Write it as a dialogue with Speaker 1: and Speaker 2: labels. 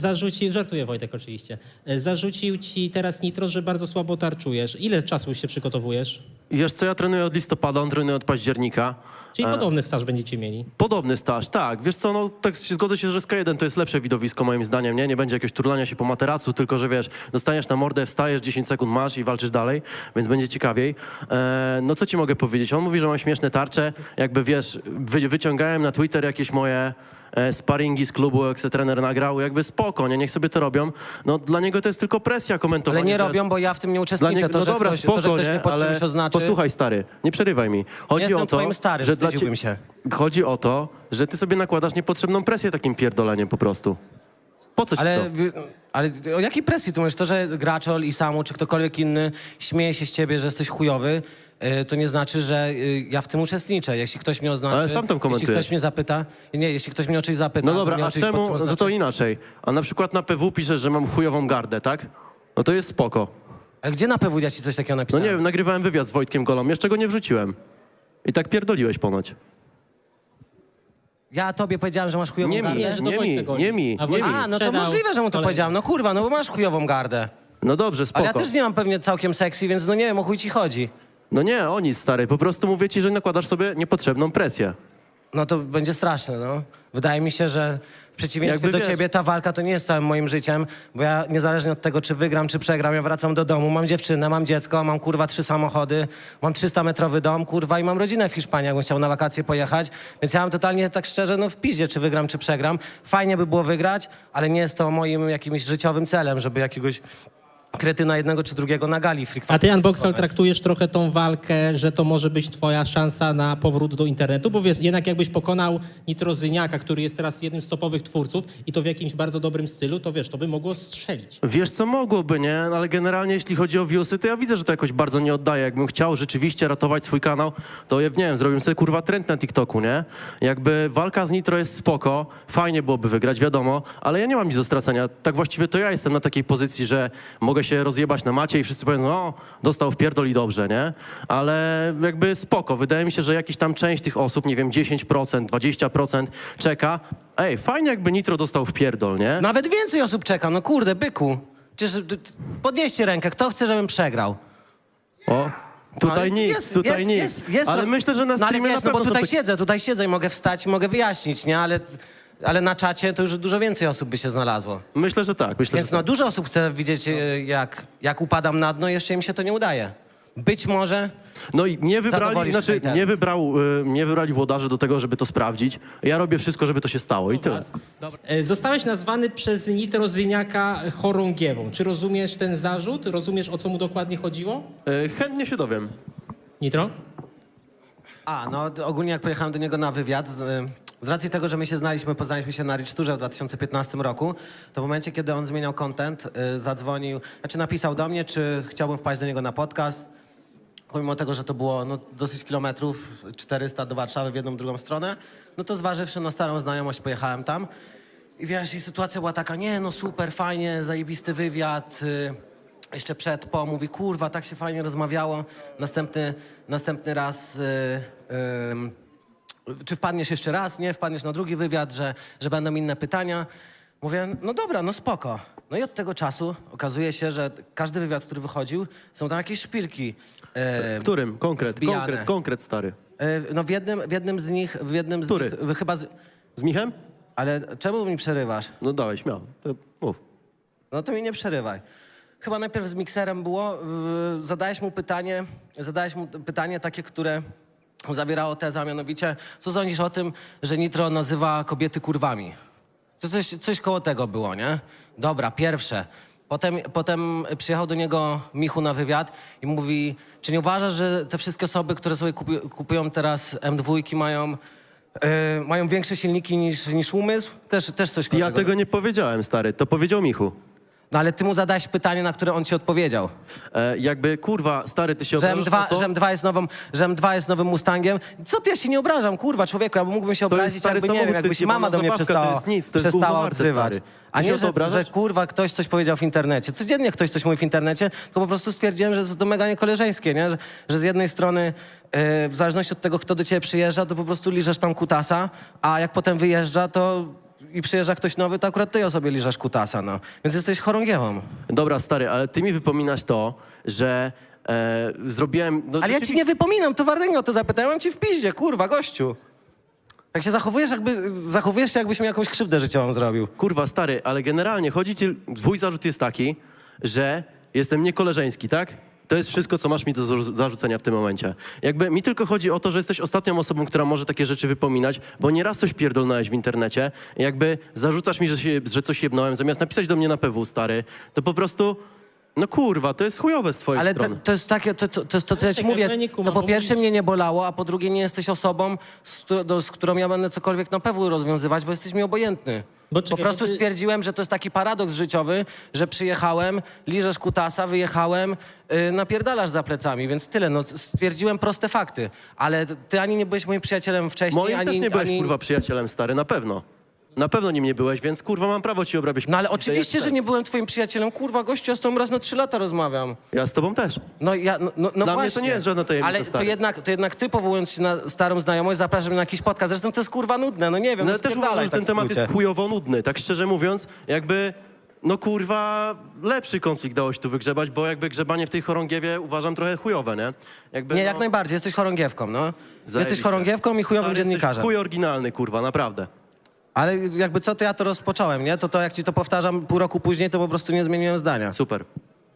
Speaker 1: Zarzucił, żartuję Wojtek oczywiście, zarzucił ci teraz Nitro, że bardzo słabo tarczujesz. Ile czasu już się przygotowujesz?
Speaker 2: Wiesz co, ja trenuję od listopada, on trenuje od października.
Speaker 1: Czyli podobny staż będziecie mieli.
Speaker 2: Podobny staż, tak. Wiesz co, no tak zgodzę się, że K1 to jest lepsze widowisko moim zdaniem, nie? Nie będzie jakiegoś turlania się po materacu, tylko że wiesz, dostaniesz na mordę, wstajesz, 10 sekund masz i walczysz dalej, więc będzie ciekawiej. No co ci mogę powiedzieć? On mówi, że mam śmieszne tarcze, jakby wiesz, wyciągałem na Twitter jakieś moje sparingi z klubu, jak se trener nagrał, jakby spoko, nie? Niech sobie to robią. No dla niego to jest tylko presja komentowania.
Speaker 3: Ale nie
Speaker 2: że...
Speaker 3: robią, bo ja w tym nie uczestniczę.
Speaker 2: Niego, no dobra, spoko,
Speaker 3: to, że ktoś
Speaker 2: nie?
Speaker 3: mnie pod
Speaker 2: Ale
Speaker 3: czymś oznaczy...
Speaker 2: posłuchaj stary, nie przerywaj mi. Chodzi
Speaker 3: Jestem
Speaker 2: o to,
Speaker 3: twoim starym,
Speaker 2: że
Speaker 3: wstydziłbym się.
Speaker 2: Chodzi o to, że ty sobie nakładasz niepotrzebną presję takim pierdoleniem po prostu. Po co ci to?
Speaker 3: Ale o jakiej presji tu mówisz? To, że Graczol i Samu, czy ktokolwiek inny śmieje się z ciebie, że jesteś chujowy, to nie znaczy, że ja w tym uczestniczę. Jeśli ktoś mnie oznaczy...
Speaker 2: Ale sam tam komentujesz.
Speaker 3: Jeśli ktoś mnie zapyta... Nie, jeśli ktoś mnie o coś zapyta...
Speaker 2: No dobra,
Speaker 3: mnie o
Speaker 2: a
Speaker 3: czymś pod czym
Speaker 2: czemu? No
Speaker 3: oznaczy-
Speaker 2: to inaczej. A na przykład na PW piszesz, że mam chujową gardę, tak? No to jest spoko.
Speaker 3: Ale gdzie na PW ja ci coś takiego
Speaker 2: No
Speaker 3: napisałem?
Speaker 2: nie wiem, nagrywałem wywiad z Wojtkiem Golą, jeszcze go nie wrzuciłem. I tak pierdoliłeś ponoć.
Speaker 3: Ja tobie powiedziałem, że masz chujową
Speaker 2: Nie mi,
Speaker 3: gardę?
Speaker 1: że to
Speaker 2: nie mi,
Speaker 1: Wojtek chodzi.
Speaker 2: nie mi,
Speaker 1: A
Speaker 2: nie mi.
Speaker 3: A, no to
Speaker 1: Sprzedał
Speaker 3: możliwe, że mu to
Speaker 1: kolejny.
Speaker 3: powiedziałem. No kurwa, no bo masz chujową gardę.
Speaker 2: No dobrze, spoko.
Speaker 3: Ale ja też nie mam pewnie całkiem sexy, więc no nie wiem, o chuj ci chodzi.
Speaker 2: No nie, o nic, stary. Po prostu mówię ci, że nakładasz sobie niepotrzebną presję.
Speaker 3: No to będzie straszne, no. Wydaje mi się, że w przeciwieństwie
Speaker 2: Jakby
Speaker 3: do
Speaker 2: wiesz-
Speaker 3: ciebie ta walka to nie jest całym moim życiem, bo ja niezależnie od tego, czy wygram, czy przegram, ja wracam do domu, mam dziewczynę, mam dziecko, mam kurwa 3 samochody, mam 300-metrowy dom, kurwa, i mam rodzinę w Hiszpanii, jakbym chciał na wakacje pojechać, więc ja mam totalnie tak szczerze, no w piździe, czy wygram, czy przegram. Fajnie by było wygrać, ale nie jest to moim jakimś życiowym celem, żeby jakiegoś kretyna jednego czy drugiego na gali free
Speaker 1: A ty, Unboxal, traktujesz trochę tą walkę, że to może być twoja szansa na powrót do internetu? Bo wiesz, jednak jakbyś pokonał Nitrozyniaka, który jest teraz jednym z topowych twórców i to w jakimś bardzo dobrym stylu, to wiesz, to by mogło strzelić.
Speaker 2: Wiesz co, mogłoby, nie? Ale generalnie jeśli chodzi o viewsy, to ja widzę, że to jakoś bardzo nie oddaje. Jakbym chciał rzeczywiście ratować swój kanał, to ja nie wiem, zrobiłem sobie kurwa trend na TikToku, nie? Jakby walka z Nitro jest spoko, fajnie byłoby wygrać, wiadomo, ale ja nie mam nic do stracenia. Tak właściwie to ja jestem na takiej pozycji, że mogę się rozjebać na macie i wszyscy powiedzą, o, dostał w pierdol i dobrze, nie? Ale jakby spoko. Wydaje mi się, że jakiś tam część tych osób, nie wiem, 10%, 20% czeka. Ej, fajnie jakby Nitro dostał w pierdol, nie?
Speaker 3: Nawet więcej osób czeka, no kurde, byku. Przecież podnieście rękę, kto chce, żebym przegrał?
Speaker 2: O, tutaj
Speaker 3: No,
Speaker 2: nikt,
Speaker 3: jest,
Speaker 2: tutaj
Speaker 3: jest,
Speaker 2: nikt. Ale myślę, że na
Speaker 3: no, ale
Speaker 2: streamie
Speaker 3: wiesz,
Speaker 2: na pewno
Speaker 3: no bo
Speaker 2: są
Speaker 3: tutaj siedzę i mogę wstać i mogę wyjaśnić, nie? Ale na czacie to już dużo więcej osób by się znalazło.
Speaker 2: Myślę, że tak. Myślę,
Speaker 3: Więc
Speaker 2: że
Speaker 3: no dużo osób chce widzieć, jak upadam na dno, jeszcze im się to nie udaje. Być może...
Speaker 2: No i nie wybrali,
Speaker 3: Zadowolisz
Speaker 2: znaczy
Speaker 3: hejterów.
Speaker 2: nie wybrali włodarzy do tego, żeby to sprawdzić. Ja robię wszystko, żeby to się stało i tyle.
Speaker 1: Dobra. Zostałeś nazwany przez Nitrozyniaka chorągiewą. Czy rozumiesz ten zarzut? Rozumiesz, o co mu dokładnie chodziło?
Speaker 2: Chętnie się dowiem.
Speaker 1: Nitro?
Speaker 3: No ogólnie jak pojechałem do niego na wywiad, z racji tego, że my się poznaliśmy się na Rich Tourze w 2015 roku, to w momencie, kiedy on zmieniał content, napisał do mnie, czy chciałbym wpaść do niego na podcast. Pomimo tego, że to było dosyć kilometrów, 400 do Warszawy w jedną, drugą stronę, no to zważywszy na starą znajomość, pojechałem tam. I wiesz, i sytuacja była taka, super, fajnie, zajebisty wywiad. Jeszcze mówi, kurwa, tak się fajnie rozmawiało. Następny raz, czy wpadniesz jeszcze raz, nie? Wpadniesz na drugi wywiad, że będą inne pytania. Mówię, no dobra, no spoko. No i od tego czasu okazuje się, że każdy wywiad, który wychodził, są tam jakieś szpilki.
Speaker 2: Którym?
Speaker 3: wbijane.
Speaker 2: Konkret, stary.
Speaker 3: No w jednym z nich,
Speaker 2: Który?
Speaker 3: chyba...
Speaker 2: Z Michem?
Speaker 3: Ale czemu mi przerywasz?
Speaker 2: No dawaj, śmiało. Mów.
Speaker 3: No to mi nie przerywaj. Chyba najpierw z mikserem było, zadałeś mu pytanie takie, które zawierało tezę, a mianowicie, co sądzisz o tym, że Nitro nazywa kobiety kurwami? To coś koło tego było, nie? Dobra, pierwsze. Potem przyjechał do niego Michu na wywiad i mówi, czy nie uważasz, że te wszystkie osoby, które sobie kupują teraz M2 mają większe silniki niż umysł? Też coś koło
Speaker 2: Ja
Speaker 3: tego.
Speaker 2: tego nie powiedziałem, stary. To powiedział Michu.
Speaker 3: No ale ty mu zadałeś pytanie, na które on ci odpowiedział.
Speaker 2: Jakby, kurwa, stary, ty się
Speaker 3: Że
Speaker 2: obrażasz na to?
Speaker 3: że M2 jest nowym Mustangiem. Co ty, ja się nie obrażam, kurwa, człowieku, ja mógłbym się
Speaker 2: To jest
Speaker 3: obrazić,
Speaker 2: stary
Speaker 3: jakby, nie
Speaker 2: samochód,
Speaker 3: wiem,
Speaker 2: to
Speaker 3: jakby
Speaker 2: jest
Speaker 3: się mama
Speaker 2: jebana
Speaker 3: do mnie
Speaker 2: zabawka, to jest nic, to jest gówno
Speaker 3: przestała
Speaker 2: warte,
Speaker 3: odzywać.
Speaker 2: stary.
Speaker 3: A
Speaker 2: Ty się
Speaker 3: nie,
Speaker 2: o to
Speaker 3: że
Speaker 2: obrażasz?
Speaker 3: kurwa, ktoś coś powiedział w internecie. Codziennie ktoś coś mówi w internecie, to po prostu stwierdziłem, że to mega niekoleżeńskie, nie? Że z jednej strony w zależności od tego, kto do ciebie przyjeżdża, to po prostu liżesz tam kutasa, a jak potem wyjeżdża, to i przyjeżdża ktoś nowy, to akurat ty sobie liżesz kutasa, no. Więc jesteś chorągiewą.
Speaker 2: Dobra, stary, ale ty mi wypominasz to, że zrobiłem... No,
Speaker 3: Ale ja ci nie wypominam, to Wardęga o to zapytałem, mam ci w piździe, kurwa, gościu. Jak się zachowujesz się, jakbyś mi jakąś krzywdę życiową zrobił.
Speaker 2: Kurwa, stary, ale generalnie twój zarzut jest taki, że jestem niekoleżeński, tak? To jest wszystko, co masz mi do zarzucenia w tym momencie. Jakby mi tylko chodzi o to, że jesteś ostatnią osobą, która może takie rzeczy wypominać, bo nieraz coś pierdolnąłeś w internecie. Jakby zarzucasz mi, że coś jebnąłem, zamiast napisać do mnie na PW, stary, to po prostu... No kurwa, to jest chujowe z twojej
Speaker 3: Ale
Speaker 2: strony.
Speaker 3: to jest takie, to jest to, co ja ci
Speaker 1: czekaj,
Speaker 3: mówię.
Speaker 1: no ja nie kumam,
Speaker 3: No po
Speaker 1: bo
Speaker 3: pierwsze
Speaker 1: mówisz-
Speaker 3: mnie nie bolało, a po drugie nie jesteś osobą, z którą ja będę cokolwiek na PW rozwiązywać, bo jesteś mi obojętny.
Speaker 1: Bo czekaj,
Speaker 3: Po prostu
Speaker 1: bo ty-
Speaker 3: stwierdziłem, że to jest taki paradoks życiowy, że przyjechałem, liżesz kutasa, wyjechałem, napierdalasz za plecami, więc tyle. No, stwierdziłem proste fakty. Ale ty ani nie byłeś moim przyjacielem wcześniej,
Speaker 2: Moim
Speaker 3: ani...
Speaker 2: też nie byłeś,
Speaker 3: ani...
Speaker 2: kurwa, przyjacielem, stary, na pewno. Na pewno nim nie byłeś, więc kurwa mam prawo ci obrabiać.
Speaker 3: No ale
Speaker 2: jak
Speaker 3: oczywiście,
Speaker 2: chcę.
Speaker 3: że nie byłem twoim przyjacielem. Kurwa, gościu, ja z tobą raz na 3 lata rozmawiam.
Speaker 2: Ja z tobą też.
Speaker 3: No ja, no
Speaker 2: mnie to
Speaker 3: właśnie.
Speaker 2: nie jest żadna tajemnica,
Speaker 3: Ale
Speaker 2: stary.
Speaker 3: to jednak ty, powołując się na starą znajomość, zapraszasz mnie na jakiś podcast. Zresztą to jest kurwa nudne, no nie wiem.
Speaker 2: No
Speaker 3: No
Speaker 2: ale też uważam,
Speaker 3: spierdalaj
Speaker 2: że
Speaker 3: tak
Speaker 2: ten temat
Speaker 3: w skrócie.
Speaker 2: jest chujowo nudny. Tak szczerze mówiąc, jakby, no kurwa, lepszy konflikt dało się tu wygrzebać, bo jakby grzebanie w tej chorągiewie uważam trochę chujowe, nie? Jakby,
Speaker 3: Nie,
Speaker 2: no,
Speaker 3: jak najbardziej, jesteś chorągiewką, no. Jesteś
Speaker 2: zajebiście.
Speaker 3: chorągiewką i chujowym
Speaker 2: Stary, jesteś
Speaker 3: dziennikarzem.
Speaker 2: chuj oryginalny, kurwa, naprawdę.
Speaker 3: Ale jakby co, to ja to rozpocząłem, nie? To jak ci to powtarzam pół roku później, to po prostu nie zmieniłem zdania.
Speaker 2: Super.